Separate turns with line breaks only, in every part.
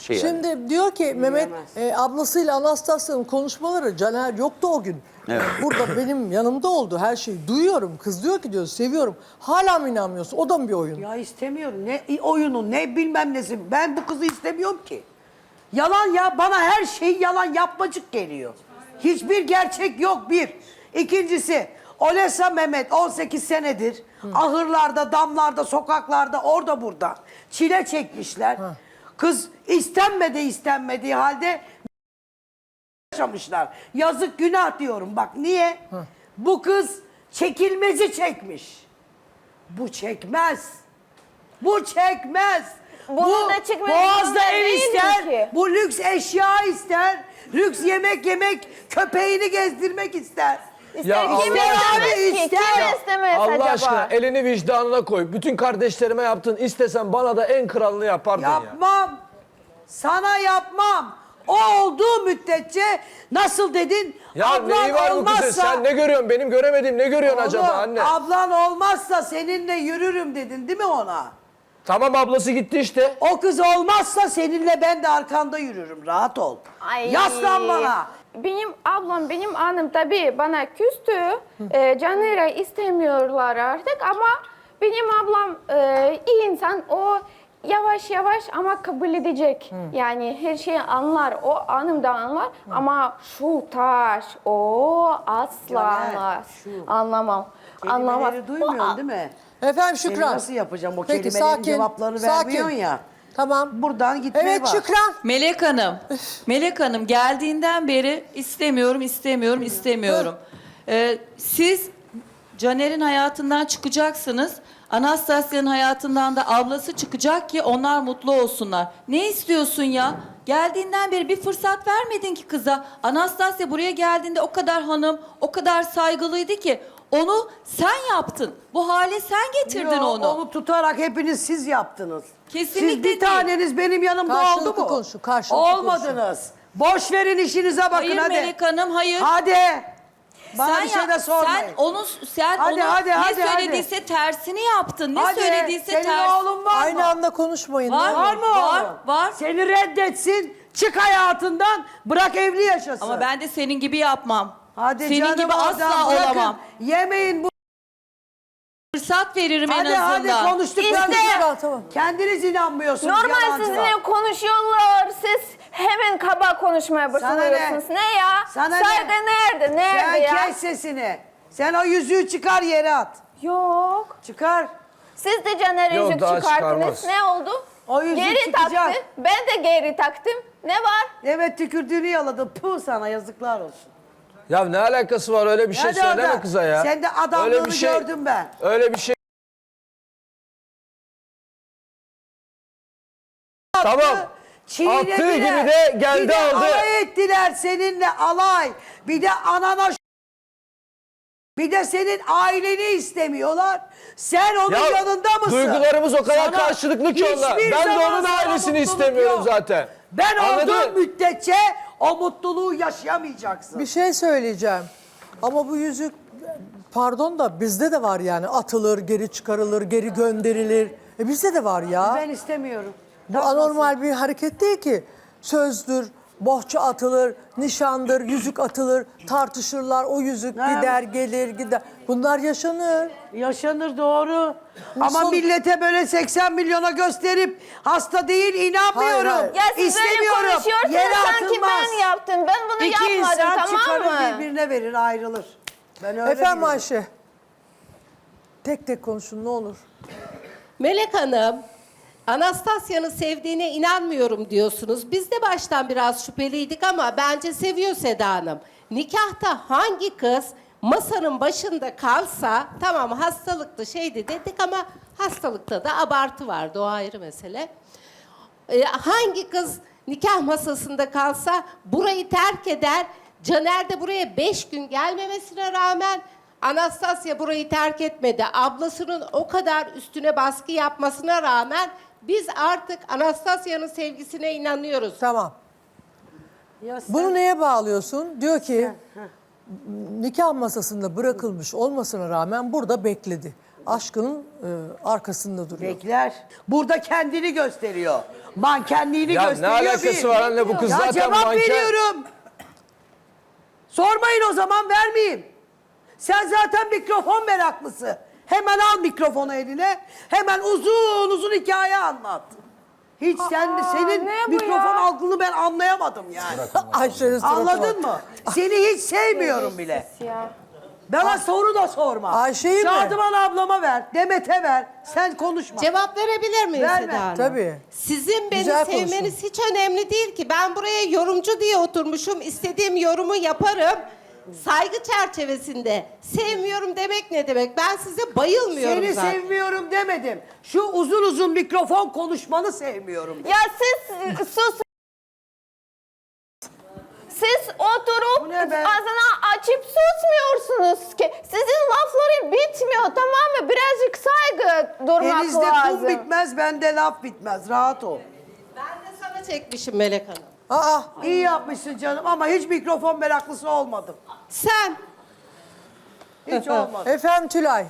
şey yani.
Şimdi diyor ki Mehmet ablasıyla Anastasya'nın konuşmaları, Caner yoktu o gün.
Evet.
Burada benim yanımda oldu her şeyi. Duyuyorum. Kız diyor ki diyor seviyorum. Hala mı inanmıyorsun? O da mı bir oyun?
Ya istemiyorum. Ne oyunu ne bilmem nesi. Ben bu kızı istemiyorum ki. Yalan ya. Bana her şey yalan yapmacık geliyor. Hiçbir gerçek yok bir. İkincisi Olesa Mehmet 18 senedir ahırlarda, damlarda, sokaklarda, orada burada çile çekmişler. Kız istenmediği halde yaşamışlar. Yazık günah diyorum bak niye? Bu kız çekilmezi çekmiş. Bu çekmez. Bu çekmez.
Bunun da çekmesi
Boğaz'da
zorunda
ev
değil
ister,
ki.
bu lüks eşya ister, lüks yemek, köpeğini gezdirmek ister.
İster kim
Allah
istemez
abi,
ki?
ister.
Kim istemez
Allah
acaba?
aşkına elini vicdanına koy. Bütün kardeşlerime yaptın. İstesen bana da en kralını yapardın ya.
Yapmam. Sana yapmam. O olduğu müddetçe nasıl dedin?
Ya
ablan
neyi var bu kızın?
olmazsa,
Sen ne görüyorsun? Benim göremediğim ne görüyorsun acaba
Oğlum,
anne?
ablan olmazsa seninle yürürüm dedin değil mi ona?
Tamam ablası gitti işte.
O kız olmazsa seninle ben de arkanda yürürüm. Rahat ol.
Ay.
Yaslan bana.
Benim ablam, benim annem tabii bana küstü. Caner'i istemiyorlar artık ama benim ablam iyi insan. O yavaş yavaş ama kabul edecek. Yani her şeyi anlar. O anım da anlar. Ama şu taş o asla
Caner,
anlar.
şu.
Anlamam. Anlamaz.
Kelimeleri duymuyorsun değil mi?
Efendim
Seni
Şükran.
nasıl yapacağım o
Peki,
kelimelerin
sakin,
cevaplarını
sakin.
vermiyorsun ya.
Tamam.
Buradan gitmeye
Evet
bak.
Şükran.
Melek Hanım geldiğinden beri istemiyorum. Siz Caner'in hayatından çıkacaksınız. Anastasya'nın hayatından da ablası çıkacak ki onlar mutlu olsunlar. Ne istiyorsun ya? Geldiğinden beri bir fırsat vermedin ki kıza. Anastasya buraya geldiğinde o kadar hanım, o kadar saygılıydı ki onu sen yaptın. Bu hale sen getirdin
Yo,
onu.
tutarak hepiniz siz yaptınız.
Kesinlikle
Siz bir
değil.
taneniz benim yanımda
Karşılıklı
oldu mu?
konuşun, karşılıklı
Olmadınız. Boş verin işinize bakın
Hayır
hadi.
Melek Hanım, hayır.
Hadi. Bana
Sen
bir şey de sormayın.
Sen
Hadi,
onu
hadi,
ne
hadi,
söylediyse tersini yaptın. Ne
Hadi.
söylediyse
Senin
ters.
oğlun var
Aynı
mı?
anda konuşmayın.
Var,
ne olur.
Var mı
Var,
oğlum?
var.
Seni reddetsin. Çık hayatından. Bırak evli yaşasın.
Ama ben de senin gibi yapmam.
Hadi
senin
canım
gibi
oradan
asla
bırakın.
olamam.
Yemeyin bu.
Fırsat veririm
Hadi
en azından.
hadi konuştuklarınızı.
Şükran, tamam.
Kendiniz inanmıyorsunuz
Normal
yalancılar.
sizinle konuşuyorlar. Siz hemen kaba konuşmaya başlıyorsunuz.
ne?
Ne ya?
Sana
Saygı
ne?
nerede? Nerede
Sen
ya?
kes sesini. Sen o yüzüğü çıkar yere at.
Yok.
Çıkar.
Siz de Caner
Yok,
yüzük
daha
çıkarttınız.
çıkarmaz.
Ne oldu?
O yüzük
Geri
çıkacak.
taktı. Ben de geri taktım. Ne var?
Evet tükürdüğünü yaladı. Puh sana yazıklar olsun.
Ya ne alakası var öyle bir şey
Hadi
söyleme
oradan.
kıza ya.
Sen de adamlığını
Öyle bir şey-
gördüm ben.
Öyle bir şey. Tamam.
Çiğnediler.
Attığı gibi de geldi
bir de
aldı.
alay ettiler seninle alay. Bir de anana bir de senin aileni istemiyorlar. Sen onun
Ya,
yanında mısın?
duygularımız o kadar
Sana
karşılıklı ki onunla.
hiçbir
Ben de
zaman
onun
sana
ailesini
mutluluk
istemiyorum
yok.
zaten.
Ben
Anladın
olduğum
mı?
müddetçe o mutluluğu yaşayamayacaksın.
Bir şey söyleyeceğim. Ama bu yüzük pardon da bizde de var yani. Atılır, geri çıkarılır, geri gönderilir. Bizde de var ya.
Ben istemiyorum.
Bu anormal bir hareket değil ki. Sözdür, bohça atılır, nişandır, yüzük atılır, tartışırlar. O yüzük
Ha.
gider, gelir, gider. Bunlar yaşanır.
Yaşanır doğru.
Nasıl?
Ama millete böyle 80 milyona gösterip hasta değil inanmıyorum.
Hayır, hayır.
Ya siz böyle
İstemiyorum.
konuşuyorsunuz
Yere
sanki
atılmaz.
ben yaptım. Ben bunu
İki
yapmadım
insan
tamam
çıkarır
mı?
birbirine verir ayrılır. Ben öyle
Efendim
biliyorum.
Ayşe. Tek tek konuşun ne olur.
Melek Hanım, Anastasya'nın sevdiğine inanmıyorum diyorsunuz. Biz de baştan biraz şüpheliydik ama bence seviyor Seda Hanım. Nikahta hangi kız masanın başında kalsa, tamam hastalıklı şeydi dedik ama hastalıkta da abartı vardı, o ayrı mesele. Hangi kız nikah masasında kalsa burayı terk eder, Caner de buraya 5 gün gelmemesine rağmen Anastasya burayı terk etmedi. Ablasının o kadar üstüne baskı yapmasına rağmen biz artık Anastasya'nın sevgisine inanıyoruz.
Tamam.
Ya sen-
Bunu neye bağlıyorsun? Diyor ki nikah masasında bırakılmış olmasına rağmen burada bekledi. aşkının arkasında duruyor.
Bekler. Burada kendini gösteriyor. Mankenliğini
Ya ne
gösteriyor.
alakası var anne, bu kız
Ya
zaten
cevap
manken.
veriyorum. Sormayın o zaman, vermeyeyim. Sen zaten mikrofon meraklısı. Hemen al mikrofonu eline. Hemen uzun uzun hikaye anlat. Hiç senin
ne bu
mikrofon
ya?
algını ben anlayamadım yani.
Ayşe'nin suratına
Anladın
bak.
mı? Seni hiç sevmiyorum bile.
Ya.
Bana soru da sorma.
Ayşe'yi mi?
Şadıman ablama ver, Demet'e ver. Sen konuşma.
Cevap verebilir miyim
Verme.
Seda Hanım?
Tabii.
Sizin beni
Güzel
sevmeniz hiç önemli değil ki. Ben buraya yorumcu diye oturmuşum. İstediğim yorumu yaparım. Saygı çerçevesinde. Sevmiyorum demek ne demek? Ben size bayılmıyorum
Seni
zaten.
sevmiyorum demedim. Şu uzun uzun mikrofon konuşmanı sevmiyorum.
Ya siz sus. Siz
Bu
oturup
ne be?
ağzını açıp susmuyorsunuz ki. Sizin lafları bitmiyor, tamam mı? Birazcık saygı durmak
Denizde
lazım.
kum bitmez, bende laf bitmez. Rahat ol.
Ben de sana çekmişim Melek Hanım.
Aa,
İyi yapmışsın canım ama hiç mikrofon meraklısı olmadım.
Sen
Hiç olmadı.
efendim Tülay.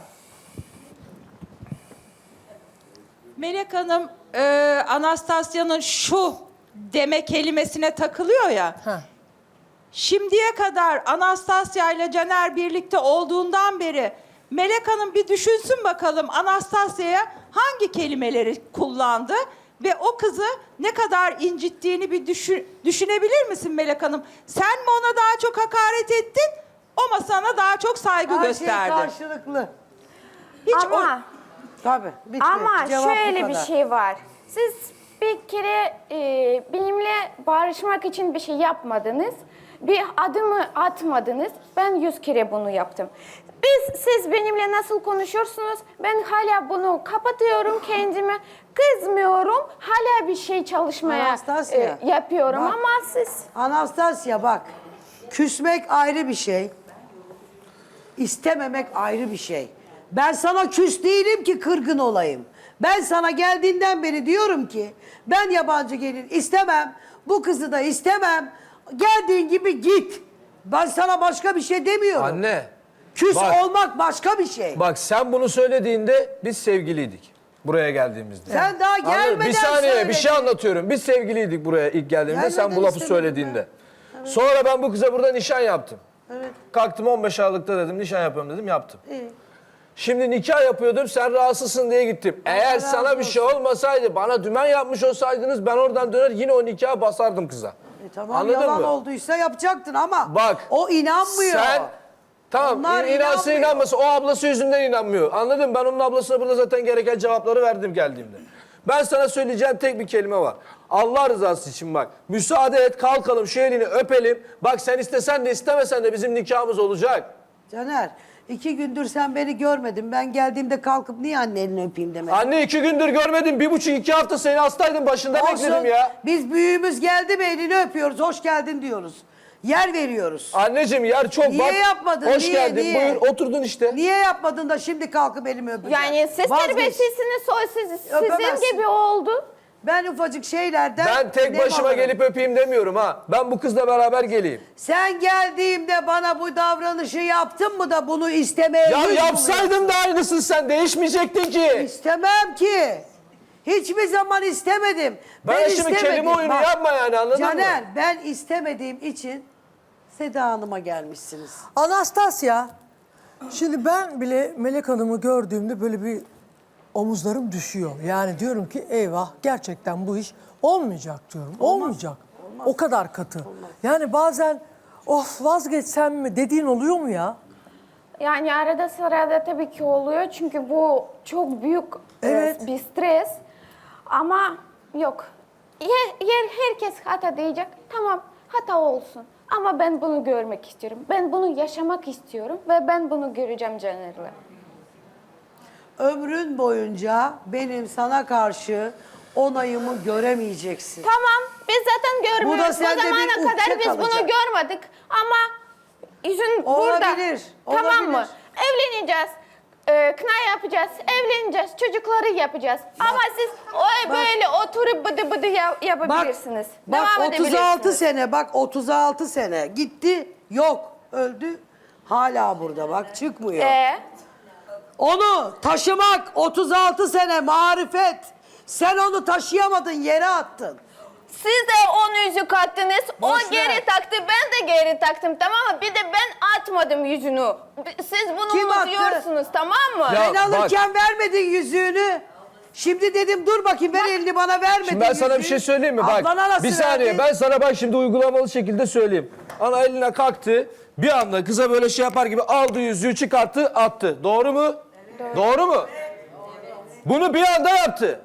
Melek Hanım, Anastasya'nın şu deme kelimesine takılıyor ya.
Heh.
Şimdiye kadar Anastasya ile Caner birlikte olduğundan beri Melek Hanım bir düşünsün bakalım Anastasya'ya hangi kelimeleri kullandı ve o kızı ne kadar incittiğini bir düşünebilir misin Melek Hanım? Sen mi ona daha çok hakaret ettin, o mu sana daha çok saygı
Her şey
gösterdi?
karşılıklı.
Hiç
Ama
Tabii. Bitti.
Ama
Cevap bu
şöyle bir
kadar.
şey var. Siz bir kere benimle barışmak için bir şey yapmadınız. Bir adımı atmadınız. Ben 100 kere bunu yaptım. Siz benimle nasıl konuşuyorsunuz? Ben hala bunu kapatıyorum kendime. Kızmıyorum. Hala bir şey çalışmaya
Anastasya,
yapıyorum
bak.
ama siz...
Anastasya bak. Küsmek ayrı bir şey. İstememek ayrı bir şey. Ben sana küs değilim ki kırgın olayım. Ben sana geldiğinden beri diyorum ki ben yabancı gelin istemem. Bu kızı da istemem. Geldiğin gibi git. Ben sana başka bir şey demiyorum.
Anne.
Küs
bak.
olmak başka bir şey.
Bak sen bunu söylediğinde biz sevgiliydik. Buraya geldiğimizde.
Sen daha
Anladın mı?
gelmeden
Bir saniye
söyledin.
bir şey anlatıyorum. Biz sevgiliydik buraya ilk geldiğimizde sen bu
Gelmeden
lafı
istemedim
söylediğinde. Sonra ben bu kıza burada nişan yaptım.
Evet.
Kalktım 15 Aralık'ta dedim nişan yapıyorum dedim yaptım.
İyi.
Şimdi nikah yapıyordum sen rahatsızsın diye gittim. Eğer
razı
sana bir şey olmasaydı bana dümen yapmış olsaydınız ben oradan döner yine o nikahı basardım kıza.
Tamam
Anladın
yalan
mı?
olduysa yapacaktın ama
Bak.
o inanmıyor.
Sen tamam
Onlar
inansın
inanmıyor.
inanmasın o ablası yüzünden inanmıyor. Anladın mı? Ben onun ablasına burada zaten gereken cevapları verdim geldiğimde. Ben sana söyleyeceğim tek bir kelime var. Allah rızası için bak. Müsaade et kalkalım şu elini öpelim. Bak sen istesen de istemesen de bizim nikahımız olacak.
Caner 2 gündür sen beni görmedin. Ben geldiğimde kalkıp niye anne elini öpeyim demedin?
Anne 2 gündür görmedim. 1,5-2 hafta seni hastaydım başında bekledim ya.
Biz büyüğümüz geldi mi elini öpüyoruz. Hoş geldin diyoruz. Yer veriyoruz.
Anneciğim yer çok
Niye
bak.
yapmadın?
Hoş
Niye,
geldin
niye?
buyur oturdun işte.
Niye yapmadın da şimdi kalkıp elimi öpeceksin?
Yani siz
Vazgeç.
terbiyesizsiniz, sizin
Öpemezsin.
gibi oldu.
Ben ufacık şeylerden...
Ben tek
nem
başıma
alırım.
gelip öpeyim demiyorum ha. Ben bu kızla beraber geleyim.
Sen geldiğimde bana bu davranışı yaptın mı da bunu istemeye
Ya
yüz
yapsaydın da aynısın sen değişmeyecektin ki.
İstemem ki. Hiçbir zaman istemedim.
Ben şimdi kelime oyunu yapma yani, anladın mı?
Caner ben istemediğim için Seda Hanım'a gelmişsiniz.
Anastasya, şimdi ben bile Melek Hanım'ı gördüğümde böyle bir omuzlarım düşüyor. Yani diyorum ki eyvah gerçekten bu iş olmayacak diyorum. Olmayacak. O kadar katı. Yani bazen of vazgeçsem mi dediğin oluyor mu ya?
Yani arada sırada tabii ki oluyor çünkü bu çok büyük
Evet.
bir stres. Ama yok. Herkes hata diyecek. Tamam hata olsun. Ama ben bunu görmek istiyorum. Ben bunu yaşamak istiyorum ve ben bunu göreceğim Caner'le.
Ömrün boyunca benim sana karşı onayımı göremeyeceksin.
Tamam biz zaten görmüyoruz.
Bu da
Bu
sende bir
zamana
ukde
kadar biz bunu
kalacak.
görmedik. Ama yüzün
Olabilir,
burada. Tamam mı?
olabilir.
Evleneceğiz. Kına yapacağız, evleneceğiz, çocukları yapacağız. Ama siz böyle oturup bıdı bıdı yapabilirsiniz.
Bak
Devam
36
edebilirsiniz.
sene bak 36 sene gitti yok öldü hala burada bak çıkmıyor. Onu taşımak 36 sene marifet. Sen onu taşıyamadın, yere attın.
Siz de onun yüzük attınız. O
Boş ver.
geri taktı, ben de geri taktım, tamam mı? Bir de ben atmadım yüzünü. Siz bunu
Kim attı?
unutuyorsunuz, tamam mı?
Ya,
Ben alırken vermedin yüzüğünü. Şimdi dedim dur bakayım ver elini bana vermedin
Şimdi ben sana bir
yüzüğü.
şey söyleyeyim mi? Bak
Ablana nasıl
bir saniye
verdin?
ben sana bak şimdi uygulamalı şekilde söyleyeyim. Ana eline kalktı bir anda kıza böyle şey yapar gibi aldı yüzüğü çıkarttı attı. Doğru mu? Doğru mu? Bunu bir anda yaptı.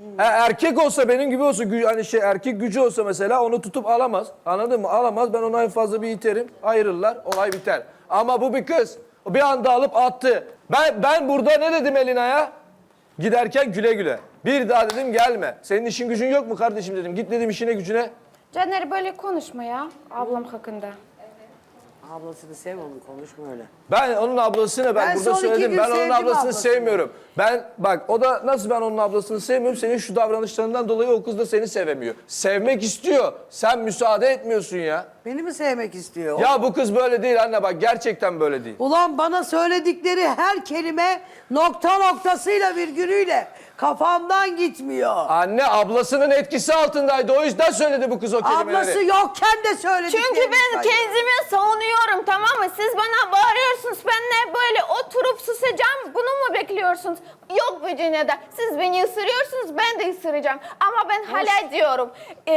Erkek olsa benim gibi olsa hani erkek gücü olsa mesela onu tutup alamaz. Anladın mı? Alamaz. Ben ona en fazla bir iterim. Ayırırlar. Olay biter. Ama bu bir kız. O bir anda alıp attı. Ben burada ne dedim Elina'ya? Giderken güle güle. Bir daha dedim gelme. Senin işin gücün yok mu kardeşim dedim. Git dedim işine gücüne.
Caner böyle konuşma ya ablam hakkında.
Ablasını sev onu, konuşma öyle.
Ben onun ablasını
Ben
burada
son 2
söyledim.
gün
Ben onun
sevdim
ablasını
ablasını.
sevmiyorum. Bak o da nasıl ben onun ablasını sevmiyorum. Senin şu davranışlarından dolayı o kız da seni sevemiyor. Sevmek istiyor. Sen müsaade etmiyorsun ya.
Beni mi sevmek istiyor?
Ya bu kız böyle değil anne bak gerçekten böyle değil.
Ulan bana söyledikleri her kelime nokta noktasıyla virgülüyle kafamdan gitmiyor.
Anne ablasının etkisi altındaydı. O yüzden söyledi bu kız o kelimeleri.
Ablası yokken de söylediklerini
Çünkü ben
sayıyor.
kendimi savunuyorum, tamam mı? Siz bana bağırıyorsunuz, ben ne böyle oturup susacağım, bunu mu bekliyorsunuz? Yok Virginia'da, siz beni ısırıyorsunuz, ben de ısıracağım. Ama ben hala diyorum,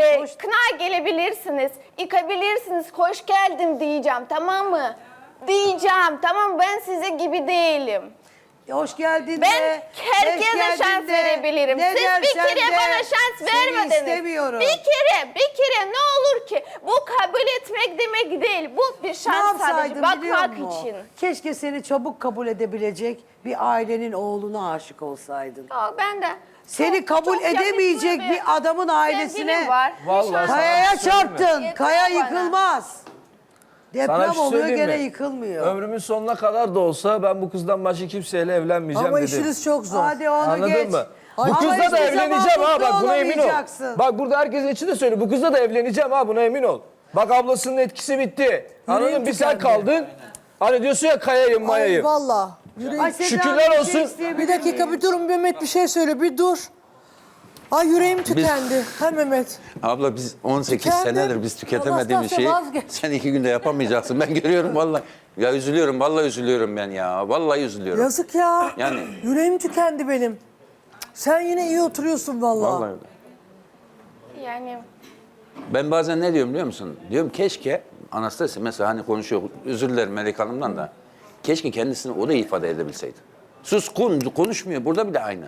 kına gelebilirsiniz, yıkabilirsiniz, hoş geldin diyeceğim, tamam mı? Diyeceğim, tamam mı? Ben size gibi değilim.
Hoş geldin
Ben
de.
herkese
hoş geldin
şans
de,
verebilirim.
ne
Siz bir
dersen
kere
de,
bana şans
seni
vermediniz.
istemiyorum.
Bir kere ne olur ki? Bu kabul etmek demek değil. Bu bir
Ne
şans sadece
yapsaydın biliyor
bakmak
musun?
için.
Keşke seni çabuk kabul edebilecek bir ailenin oğluna aşık olsaydın.
Yok, ben de.
Seni kabul
çok yakışıklı
edemeyecek bir adamın ailesine
sevgilim var.
Vallahi sana
kayaya
bir şey söyleyeyim mi?
çarptın.
Yeter
Kaya
bana.
yıkılmaz.
Sana
Deprem
bir şey
oluyor
söyleyeyim
gene
mi?
yıkılmıyor.
Ömrümün sonuna kadar da olsa ben bu kızdan başka kimseyle evlenmeyeceğim
Ama
dedim.
işiniz çok zor.
Hadi onu
Anladın
geç.
mı? Bu
Ama
kızla da
hiçbir zaman
evleneceğim ha
mutlu
bak buna emin ol.
olamayacaksın.
Bak burada herkesin için de söyle. Bu kızla da evleneceğim ha buna emin ol. Bak ablasının etkisi bitti. Anladın mı? Bir sen
tükendi.
kaldın. Hani diyorsun ya kayayım
Ay
mayayım.
valla. Yüreğim.
Ay Seda,
Şükürler
bir
olsun.
şey isteyebilir
Bir dakika
miyim?
bir durun Mehmet bir şey söyle bir dur. Ay yüreğim tükendi. Ha Mehmet.
Abla biz 18
Tükendi.
senedir biz tüketemediğimiz
Anastasya
şeyi
vazgeç.
sen 2 günde yapamayacaksın. Ben görüyorum vallahi. Ya üzülüyorum vallahi üzülüyorum ben ya. Vallahi üzülüyorum.
Yazık ya.
Yani-
Yüreğim tükendi benim. Sen yine iyi oturuyorsun vallahi.
Vallahi öyle.
Yani
Ben bazen ne diyorum biliyor musun? Diyorum keşke Anastasya mesela hani konuşuyor özür dilerim Melek Hanım'dan da. Keşke kendisini o da ifade edebilseydi. Suskun konuşmuyor burada bile aynı.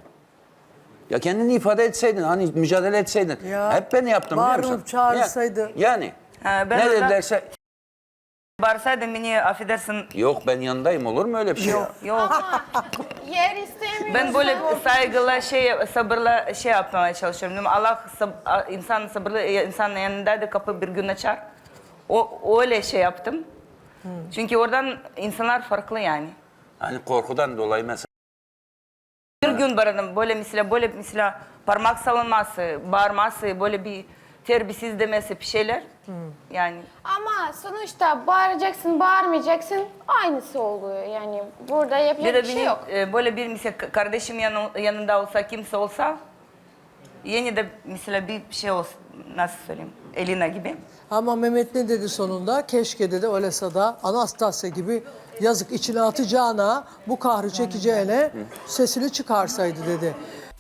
Ya kendini ifade etseydin hani mücadele etseydin.
Ya,
Hep ben yaptım biliyor musun?
bağırıp çağırsaydı.
Yani.
Ben
ne
orada-
dedilerse
Bağırsaydın beni affedersin.
yok ben yanındayım olur mu öyle bir şey?
Yok.
yer istemiyorum.
Ben böyle saygıyla sabırla yapmaya çalışıyorum. Değil mi? Allah insan sabırlı insanın yanında da kapı bir gün açar. Öyle yaptım. Çünkü oradan insanlar farklı yani.
Hani korkudan dolayı mesela.
Bir gün baradım böyle mesela parmak salınması, bağırması, böyle bir terbiyesiz demesi bir şeyler. Yani
Ama sonuçta bağıracaksın, bağırmayacaksın aynısı oluyor. Yani burada
bir
yapacak
de
bir şey
benim
yok.
böyle bir mesela kardeşim yanında olsa kimse olsa yeni de mesela bir şey olsa nasıl söyleyeyim Elina gibi.
Ama Mehmet ne dedi sonunda? Keşke dedi öylese da Anastasya gibi yazık içine atacağına bu kahrı çekeceğine sesini çıkarsaydı dedi.